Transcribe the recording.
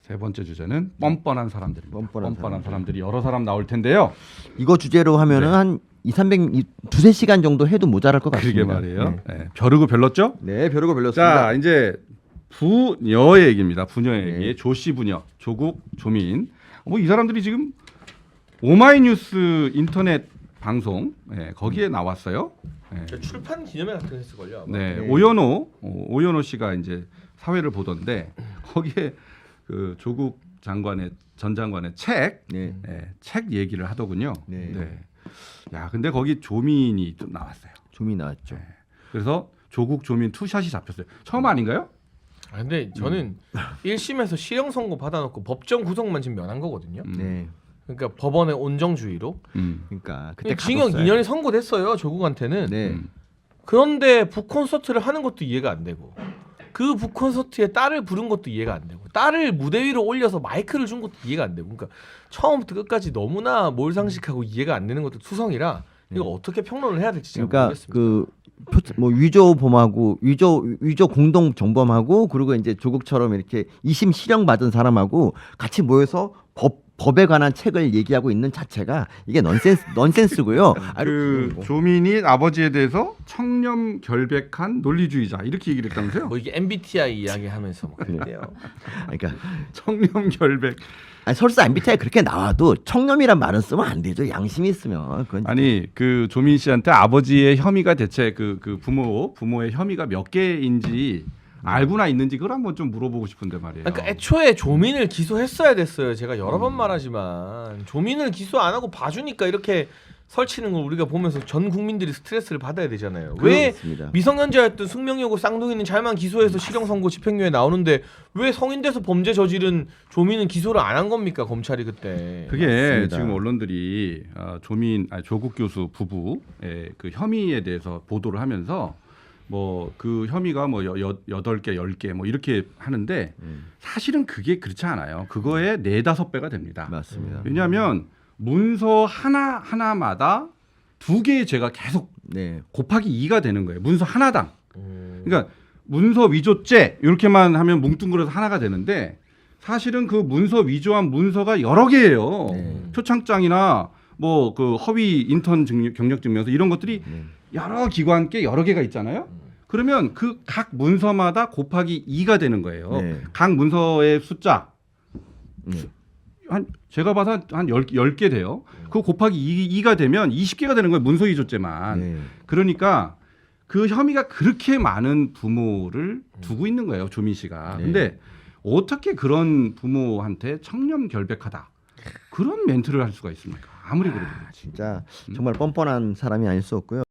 세 번째 주제는 뻔뻔한 사람들입니다. 뻔뻔한 사람들이 여러 사람 나올 텐데요. 이거 주제로 하면은 네. 한 2-300, 2-3시간 정도 해도 모자랄 것 그러게 같습니다. 말이에요. 네. 벼르고 별렀죠? 네, 벼르고 별렀습니다. 자, 이제 부녀의 얘기입니다. 부녀의 네. 얘기. 조씨 부녀, 조국, 조민. 뭐 이 사람들이 지금 오마이뉴스 인터넷 방송 거기에 나왔어요. 네. 출판 기념회 같은 거 했을걸요. 아마. 네, 네. 오연호 씨가 이제 사회를 보던데 거기에 그 조국 장관의 전 장관의 책, 네. 책 얘기를 하더군요. 네. 야, 근데 거기 조민이 좀 나왔어요. 좀이 나왔죠. 네. 그래서 조국 조민 투샷이 잡혔어요. 처음 아닌가요? 아, 근데 저는 1심에서 실형 선고 받아놓고 법정 구속만 지금 면한 거거든요. 네. 그러니까 법원의 온정주의로. 그러니까 그때 징역 가뒀어요. 2년이 선고됐어요. 조국한테는. 네. 그런데 북콘서트를 하는 것도 이해가 안 되고 그 북콘서트에 딸을 부른 것도 이해가 안 되고 딸을 무대 위로 올려서 마이크를 준 것도 이해가 안 되고 그러니까 처음부터 끝까지 너무나 몰상식하고 이해가 안 되는 것도 투성이라 이거 어떻게 평론을 해야 될지 잘 그러니까 모르겠습니다. 뭐 위조범하고 위조 공동 정범하고 그리고 이제 조국처럼 이렇게 2심 실형 받은 사람하고 같이 모여서 법에 관한 책을 얘기하고 있는 자체가 이게 넌센스고요. 그 조민이 아버지에 대해서 청렴 결백한 논리주의자 이렇게 얘기를 했다면서요? 뭐 이게 MBTI 이야기하면서 뭐 그랬대요. 그러니까 청렴 결백. 아니, 설사 MBTI 그렇게 나와도 청렴이란 말은 쓰면 안 되죠. 양심이 있으면. 그건 아니 그 조민 씨한테 아버지의 혐의가 대체 그 부모의 혐의가 몇 개인지 알고나 있는지 그걸 한번 좀 물어보고 싶은데 말이에요. 그러니까 애초에 조민을 기소했어야 됐어요. 제가 여러 번 말하지만 조민을 기소 안 하고 봐주니까 이렇게 설치는 걸 우리가 보면서 전 국민들이 스트레스를 받아야 되잖아요. 왜 그렇습니다. 미성년자였던 숙명여고 쌍둥이는 잘만 기소해서 실형 선고 집행유예 나오는데 왜 성인 돼서 범죄 저지른 조민은 기소를 안 한 겁니까 검찰이 그때? 그게 맞습니다. 지금 언론들이 조국 교수 부부의 그 혐의에 대해서 보도를 하면서 뭐 그 혐의가 뭐 8개, 10개 뭐 이렇게 하는데 사실은 그게 그렇지 않아요. 그거의 4-5배가 됩니다. 맞습니다. 왜냐하면 문서 하나마다 2개의 죄가 계속 네. 곱하기 2가 되는 거예요. 문서 하나당. 그러니까 문서 위조죄 이렇게만 하면 뭉뚱그려서 하나가 되는데 사실은 그 문서 위조한 문서가 여러 개예요. 네. 표창장이나 뭐 그 허위 인턴 경력 증명서 이런 것들이 네. 여러 기관께 여러 개가 있잖아요. 그러면 그 각 문서마다 곱하기 2가 되는 거예요. 네. 각 문서의 숫자 네. 한 제가 봐서 한 10개 돼요. 그 곱하기 2가 되면 20개가 되는 거예요. 문서 위조죄만. 네. 그러니까 그 혐의가 그렇게 많은 부모를 두고 있는 거예요. 조민 씨가. 네. 근데 어떻게 그런 부모한테 청렴 결백하다. 그런 멘트를 할 수가 있습니까? 아무리 그래도. 진짜 정말 뻔뻔한 사람이 아닐 수 없고요.